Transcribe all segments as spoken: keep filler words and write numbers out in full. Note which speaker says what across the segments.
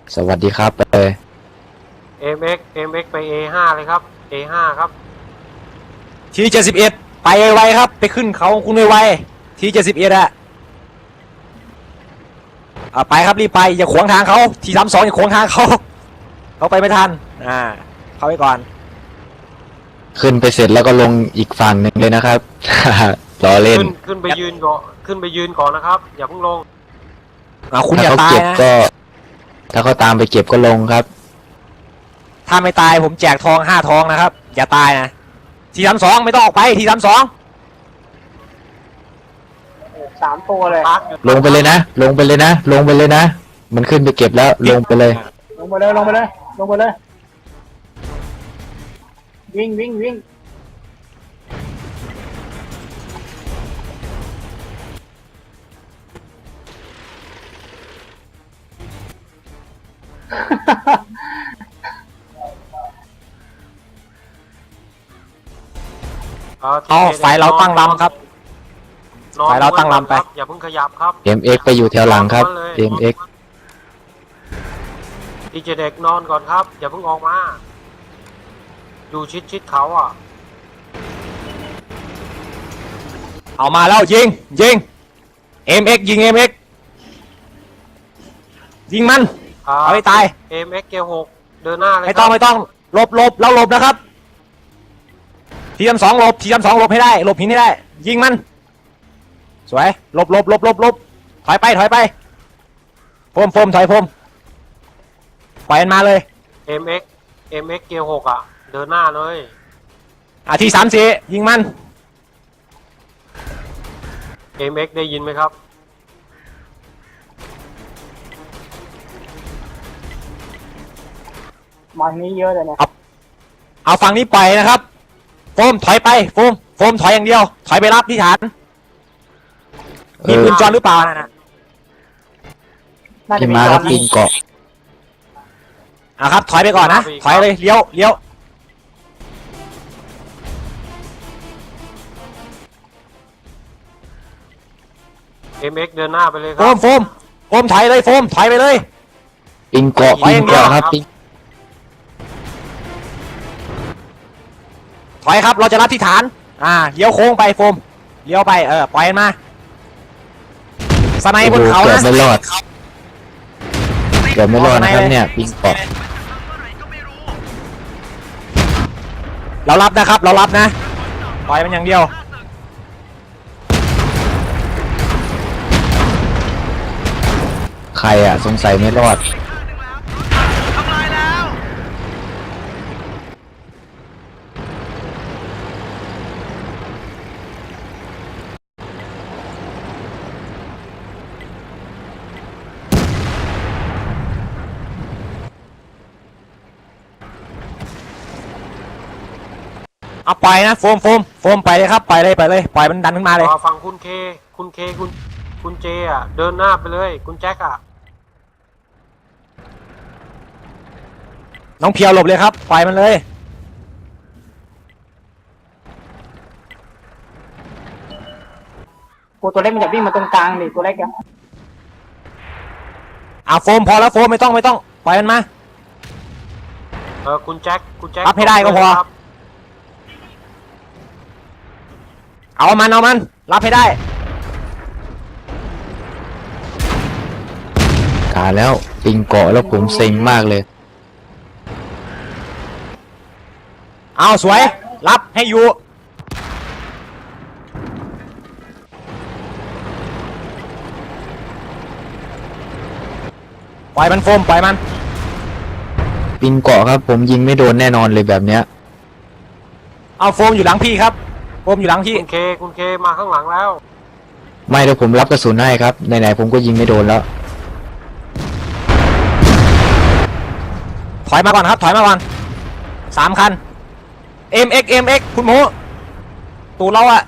Speaker 1: สวัสดีครับไปเลย
Speaker 2: เอ็ม เอ็กซ์ เอ็ม เอ็กซ์ ไป เอ ห้า เลยครับ เอ ห้า ครับ
Speaker 3: ทีเจ็ดสิบเอ็ดไปไวๆครับไปขึ้นเขาคุณไวๆทีเจ็ดสิบเอ็ดอะเอาไปครับรีบไปอย่าขวางทางเขาทีสามสองอย่าขวางทางเขาเขาไปไม่ทันอ่าเข้าไปก่อน
Speaker 1: ขึ้นไปเสร็จแล้วก็ลงอีกฝั่งหนึ่งเลยนะครับ ล้อเล่น
Speaker 2: ขึ้นขึ้นไปยืนก่อนขึ้นไปยืนก่อนนะครับ อย่าเพิ่งลง
Speaker 3: อ่าคุณอ
Speaker 1: ถ้า
Speaker 3: ย่า
Speaker 1: เขา
Speaker 3: ตาย
Speaker 1: เก็บ
Speaker 3: นะ
Speaker 1: ก็ ถ้าเขาตามไปเก็บก็ลงครับ
Speaker 3: ถ้าไม่ตายผมแจกทองห้าทองนะครับอย่าตายนะทีสามสองไม่ต้องออกไปทีสามสอง
Speaker 4: สามตัวเลย
Speaker 2: พักอยู่
Speaker 1: ลงไปเลยนะ ลงไปเลยนะ ลงไปเลยนะ มันขึ้นไปเก็บแล้วลงไปเลย
Speaker 4: ลงไปเลยลงไปเลยลงไปเลยวิ่งวิ่งวิ่ง
Speaker 3: เอาไฟเราตั้งลำครับ
Speaker 2: นอน
Speaker 3: ไฟเราตั้งลำไป
Speaker 2: ครับอย่าเพิ่งขยับครับ
Speaker 1: เอ็ม เอ็กซ์ ไปอยู่แถวหลังครับ เอ็ม เอ็กซ์
Speaker 2: ดีเจเด็กนอนก่อนครับ อย่าเพิ่งออกมาอยู่ชิดชิดเขาอ่ะ
Speaker 3: เอามาแล้วยิงยิง เอ็ม เอ็กซ์ ยิง เอ็ม เอ็กซ์ ยิงมัน
Speaker 2: ครับ
Speaker 3: เอาให้ตาย
Speaker 2: เอ็ม เอ็กซ์ เกียร์หกเดินหน้าเลย
Speaker 3: ไม่ต้อง
Speaker 2: ครับ
Speaker 3: ไม่ต้องหลบหลบแล้วหลบนะครับทีมสองหลบทีมสองหลบให้ได้หลบหินให้ได้ยิงมันสวยหลบหลบหลบหลบหลบถอยไปถอยไปพมพมถอยพมปล่อยมันมาเลย
Speaker 2: เอ็ม เอ็กซ์ เอ็ม เอ็กซ์ เกียร์หกอ่ะเดินหน้าเลย
Speaker 3: อ่ะทีสามสี่ยิงมัน
Speaker 2: เอ็ม เอ็กซ์ ได้ยินไหมครับ
Speaker 4: มาทางนี้เยอะเลยเนี่ย
Speaker 3: เอาฝั่งนี้ปล่อยนะครับโฟมถอยไปโฟมโฟมถอยอย่างเดียวถอยไปรับที่ฐาน
Speaker 1: เอ
Speaker 3: มี
Speaker 1: อ
Speaker 3: ปืนจอหรือเปล่านั่นน่ะ
Speaker 4: น่าจะ
Speaker 1: พี่
Speaker 4: มี
Speaker 1: มา
Speaker 4: ต
Speaker 1: ค
Speaker 4: อ
Speaker 1: รั
Speaker 4: น
Speaker 1: บ
Speaker 4: นะ
Speaker 1: ปิงเกาะ
Speaker 3: อ่ะครับถอยไปก่อนนะถอยเลยเลี้ยวเลี้ยว
Speaker 2: เอ็ม เอ็กซ์ เดินหน้าไปเลยค
Speaker 3: โฟ
Speaker 2: รับ
Speaker 3: มโฟมโฟมถอยเลยโฟมถอยไปเลย
Speaker 1: ปิงเกาะ
Speaker 3: ไป
Speaker 1: ปิ
Speaker 3: อง ย่างเดียว
Speaker 1: เกาะครับปิง
Speaker 3: ถอยครับเราจะรับที่ฐานอ่าเลี้ยวโค้งไปโฟมเลี้ยวไปเออปล่อยมันมาสไน
Speaker 1: โอ้
Speaker 3: บ
Speaker 1: โห
Speaker 3: นเขา
Speaker 1: เกือบ
Speaker 3: นะ
Speaker 1: ไม่รอดเกือบไม่รอดนะครับเนี่ยปิงเกาะ
Speaker 3: เรารับนะครับเรารับนะปล่อยมันอย่างเดียว
Speaker 1: ใครอ่ะสงสัยไม่รอด
Speaker 3: เอาปล่อยนะโฟมโฟมโฟมไปเลยครับปล่อยเลยไปเลยปล่อยมันดันขึ้นมาเลย
Speaker 2: รอฟังคุณเค คุณเค คุณ คุณเจอ่ะ เดินหน้าไปเลย คุณแจ็คอ่ะ
Speaker 3: น้องเพียวหลบเลยครับปล่อยมันเลย
Speaker 4: กูตัวเล็กมันจะวิ่งมาตรงกลางดิตัวเล็กอะ
Speaker 3: อ่าโฟมพอแล้วโฟมไม่ต้องไม่ต้องปล่อยมันมา
Speaker 2: เออ คุณแจ็ค คุณแจ็ค
Speaker 3: รับให้ได้ก็พอ
Speaker 2: ครับ
Speaker 3: เอามันเอามันรับให้ได้
Speaker 1: กาแล้วปิงเกาะแล้วผมเซ็งมากเลย
Speaker 3: เอาสวยรับให้อยู่ปล่อยมันโฟมปล่อยมัน
Speaker 1: ปิงเกาะครับผมยิงไม่โดนแน่นอนเลยแบบเนี้ย
Speaker 3: เอาโฟมอยู่หลังพี่ครับโฟมอยู่หลังพี่
Speaker 2: คุณเค คุณเค มาข้างหลังแล้ว
Speaker 1: ไม่เดี๋ยวผมรับกระสุนให้ครับไหนๆผมก็ยิงไม่โดนแล้ว
Speaker 3: ถอยมาก่อนครับถอยมาก่อนสามคัน เอ็ม เอ็กซ์ เอ็ม เอ็กซ์ คุณหมูตูดเราอะ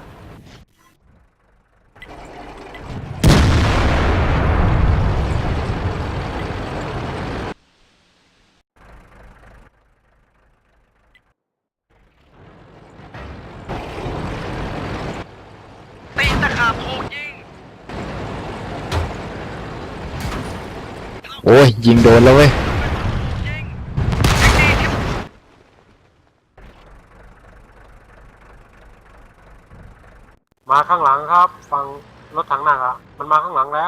Speaker 3: ตีตะขาบโคกยิง
Speaker 1: โอ้ยยิงโดนแล้วเว้ย
Speaker 2: มาข้างหลังครับฝั่งรถถังหนักอ่ะมันมาข้างหลังแล้ว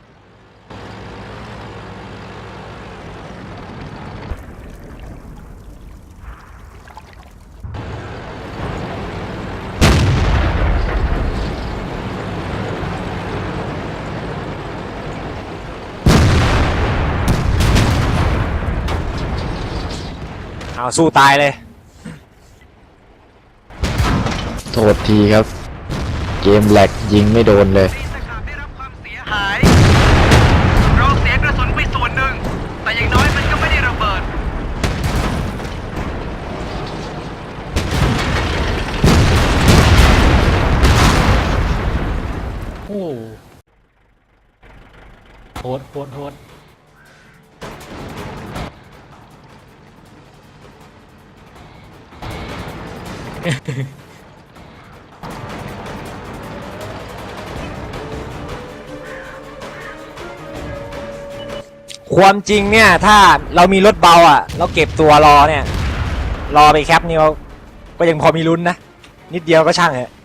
Speaker 3: เอาสู้ตายเลย
Speaker 1: โทษทีครับ เกมแหลกยิงไม่โดนเลย
Speaker 5: ได้รับความเสียหายเราเสียกระสุนไปส่วนหนึ่งแต่อย่างน้อยมันก็ไม่ได้ระเบิด
Speaker 6: โอ้โหดโหดโหด
Speaker 3: ความจริงเนี่ยถ้าเรามีรถเบาอ่ะเราเก็บตัวรอเนี่ย รอไปแคปนี่เราก็ยังพอมีลุ้นนะ นิดเดียวก็ช่างเหอะ